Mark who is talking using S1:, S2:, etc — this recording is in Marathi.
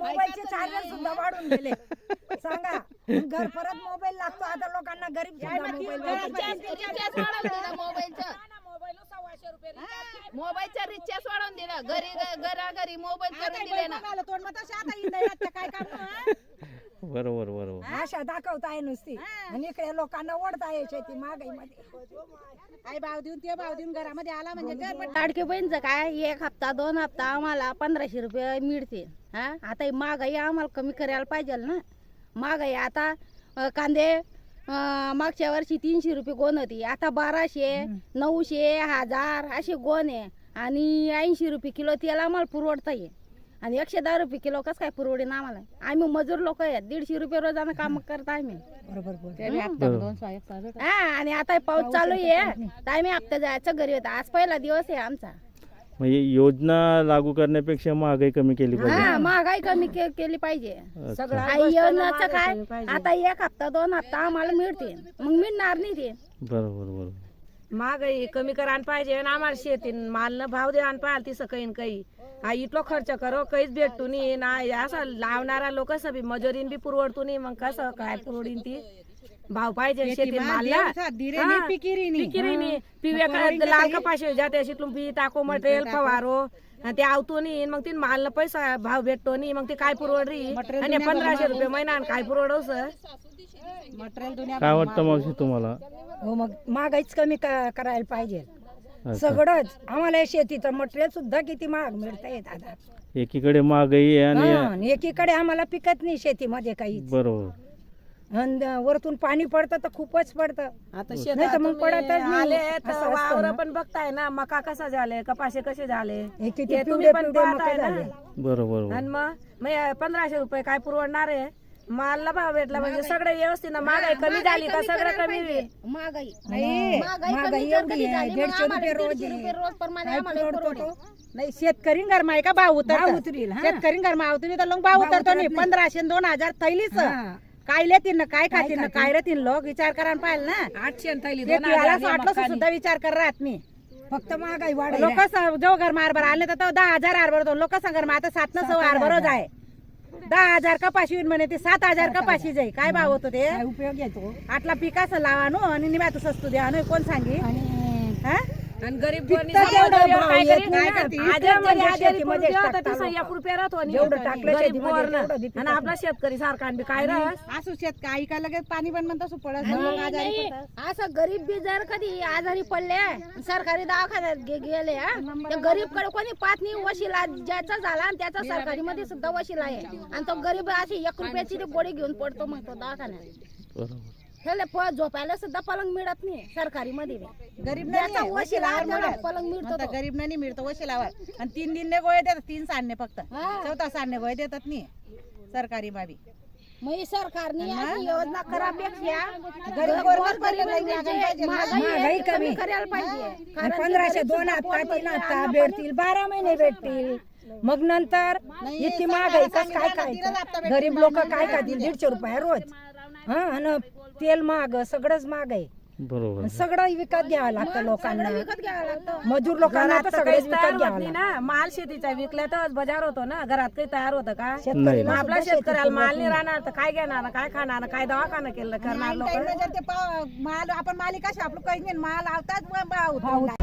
S1: मोबाईलचे चार्जर सुद्धा वाढून गेले. सांगा घर परत मोबाईल लागतो आता लोकांना. गरीब
S2: मोबाईलचा रिचार्ज वाढवून दिला. घरी मोबाईल करून दिले ना.
S3: बरोबर बरोबर.
S1: आशा दाखवताय नुसती आणि इकडे लोकांना ओढताय शेती महागाईमध्ये.
S4: आई भाव देऊन ते भाव देऊन घरामध्ये आला म्हणजे
S2: लाडकी बहीणचं काय 1 हप्ता 2 हप्ता आम्हाला 1500 रुपये मिळते. हा आता ही महागाई आम्हाला कमी करायला पाहिजे ना. महागाई आता कांदे मागच्या वर्षी 300 रुपये गोण होती, आता 1200 900 1000 असे गोण आहे. आणि 80 रुपये किलो तेल आम्हाला पुरवडता ये आणि 110 रुपये किलो कसं काय पुरवडेन आम्हाला. आम्ही मजूर लोक आहेत, 150 रुपये रोजानं काम करता आम्ही. हा आणि आता पाऊस चालू आहे तर आम्ही हप्ता जायचं घरी होता. आज पहिला दिवस आहे आमचा.
S3: म्हणजे योजना लागू करण्यापेक्षा महागाई कमी केली पाहिजे.
S2: हा महागाई कमी केली पाहिजे. योजनाचं काय आता 1 हप्ता 2 हप्ता आम्हाला मिळते, मग मिळणार नाही ते.
S3: बरोबर बरोबर.
S5: महागाई कमी करायला पाहिजे आणि आम्हाला शेती मालनं भाव द्यायला पाहिजे. तिसं काही काही हा इतलो खर्च करो काहीच भेटतो नाही ना. असं लावणारा लोक बी मजुरीन बी पुरवडतो नाही. मग कसं काय पुरवडीन ती. भाव पाहिजे शेती मालला पिकिरी पिव्या लाल कपाशी जाते शिकलून पी टाको मटेरियल फवारो ते आवतो नाही. मग ती मालला पैसा भाव भेटतो नाही. मग ती काय पुरवडी आणि 1500 रुपये महिना काय पुरवडवस.
S3: काय वाटतं मावशी तुम्हाला?
S1: हो मग महागाईच कमी करायला पाहिजे सगळंच. आम्हाला शेतीचं मटेरियल सुद्धा किती महाग मिळतंय दादा.
S3: एकीकडे महागाई आहे आणि
S1: एकीकडे आम्हाला पिकत नाही शेतीमध्ये काही.
S3: बरोबर.
S1: वरतून पाणी पडतं तर खूपच पडतं.
S5: आता
S1: नाही तर मग पडतच
S5: आले
S1: नाही.
S5: वावर पण बघताय ना. मका कसा झाले, कपाशे कसे झाले
S1: किती
S5: ते तुम्ही
S1: पिवळे
S5: पण
S1: पिवळे
S5: पाहताय
S1: मका
S5: ना.
S1: झाले.
S3: बरोबर.
S5: आणि मग 1500 रुपये काय पुरवणार आहे. मालला भाव भेटला म्हणजे सगळं व्यवस्थित ना. महागाई कमी झाली का सगळं कमी होईल.
S2: महागाई
S1: महागाई एवढी आहे 150 रुपये रोज आहे.
S2: रोज प्रमाणे
S1: काय
S2: आम्हाला
S1: परवडतो तो?
S4: नाही शेतकरी गरमा आहे का भाव
S1: भाव
S4: उतरतो.
S1: उतरील, हा.
S4: शेतकरी गरमा उतरी तर लोक भाव उतरतो नाही. 1500 2000 थैलीच
S1: हा.
S4: काय लेतील ना काय खातील ना काय राहतील लोक विचार करायला पाहिजे ना.
S5: 800 थैली
S4: वाटलं सुद्धा विचार कर राहत मी.
S1: फक्त महागाई वाढ.
S4: लोक जो घर मारभर आले तर 10,000 हारभर होतो. लोक सांग आता 700 हारभरच आहे. 10,000 कपाशी होईल म्हणे ते 7,000 कपाशी जाई. काय भाव होतो ते.
S1: काय उपयोग येतो.
S4: आटला पिकाचं लावा नो आणि निम्या तू सस्तू द्या नो कोण सांगी. हा?
S5: आणि गरीब
S1: पिकतं तेवढं भाव येत नाही ना. शेतीमध्ये टाकतात लोकं.
S5: 1 रुपया राहतो
S1: जेवढं टाकलं शेतीमध्ये तेवढं बी
S5: आणि आपला शेतकरी सारखा बी काय राहस.
S4: असू शेत काही का लगेच पाणी पण म्हणतो असं पडत
S2: नाही, असं गरीब बी जर कधी आजारी पडले सरकारी दवाखान्यात गेले तर गरीब कडे कोणी पाहत नाही. वशिला ज्याचा झाला आणि त्याचा सरकारी मध्ये सुद्धा वशिला आहे आणि तो गरीब अशी 1 रुपयाची गोळी घेऊन पडतो मग तो दवाखान्यात.
S3: बरोबर.
S2: त्याला झोपायला सुद्धा पलंग मिळत नाही सरकारी मध्ये.
S4: गरीब
S2: ज्याचा वशिला आहे त्याला पलंग मिळतो तो.
S4: गरीब नाही मिळतो वशिलावर. आणि 3 दिनने गोळे देतात 3 सांडणे फक्त. 4था सांडणे गोळे देतात नाही सरकारी बाबी.
S2: मग ही सरकारने अशी योजना करापेक्षा
S1: महागाई कमी
S2: करायला पाहिजे.
S1: आणि 1500 2 हप्ता 3 हप्ता भेटतील 12 महिने भेटतील. मग नंतर इतकी महागाई कसं काय खायचं. गरीब लोक काय खातील 150 रुपये रोज. हा आणि तेल महाग सगळंच महाग आहे.
S3: बरोबर.
S1: सगळं विकत घ्यावं लागतं लोकांना.
S2: विकत घ्यावं लागतं.
S1: मजूर लोकांना तर सगळेच विकत घ्यावं
S5: नाही
S1: लागतं.
S5: ना. माल शेतीचा विकला तर बाजार होतो ना. घरात काही तयार होतं का.
S1: शेतकरी
S5: मग आपला शेतकऱ्याला माल नाही राहणार तर काय घेणार काय खाणार काय दवाखाना केलं करणार लोक.
S4: माल आपण मालिक आपलं काही नाही माल आवतात भाव